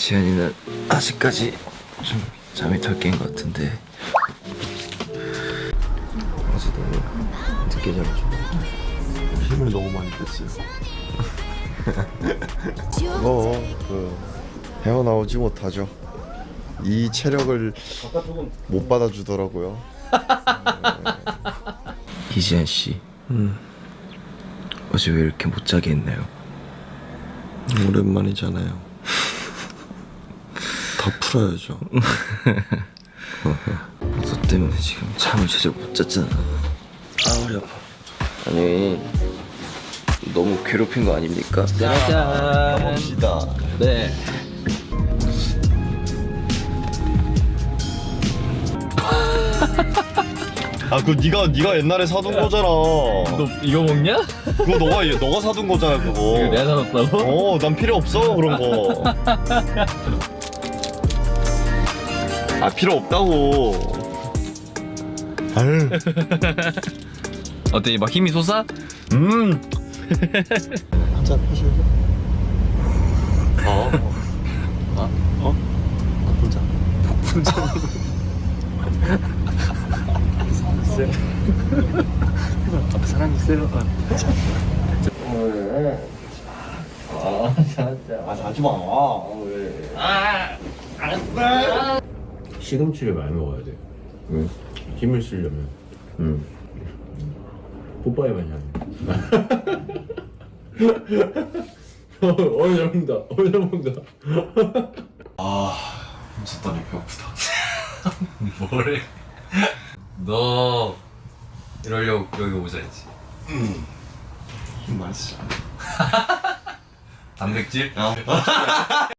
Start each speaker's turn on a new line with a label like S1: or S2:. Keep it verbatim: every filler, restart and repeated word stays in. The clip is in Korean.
S1: 지현이는 아직까지 좀 잠이 덜 깬 것 같은데 어제 너무 늦게 자가지고
S2: 힘을 너무 많이 뺐어요. 어, 그 헤어나오지 못하죠. 이 체력을 못 받아주더라고요.
S1: 이지현 씨,
S2: 음,
S1: 어제 왜 이렇게 못 자게 했나요?
S2: 오랜만이잖아요. 다 풀어야죠.
S1: 너 때문에 지금 잠을 제대로 못 잤잖아. 아, 허리 아파. 아니, 너무 괴롭힌 거 아닙니까?
S2: 짠. 봅시다.
S1: 네.
S2: 아, 그거 네가 네가 옛날에 사둔 거잖아.
S3: 너 이거 먹냐?
S2: 그거 너가 너가 사둔 거잖아, 그거.
S3: 이거 내가 사놨다고?
S2: 어, 난 필요 없어 그런 거. 아, 필요 없다고. 아유.
S3: 어때? 막 힘이 솟아?
S2: 음. 한잔 하실래? 어. 어? 어? 복분자. 복분자. 앞에 사람 있어요. 아, 아, 자지 마. 왜?
S4: 시금치를 많이 먹어야 돼.
S2: 왜?
S4: 힘을 쓰려면.
S2: 응.
S4: 뽀빠이 맛이 안 나. 어이 잘 먹는다. 어이 잘 먹는다.
S2: 아, 진짜 배고프다.
S3: 뭐래? 너 이러려고 여기 오자 했지.
S2: 힘 많이 쓰잖아.
S3: 단백질?
S2: 어.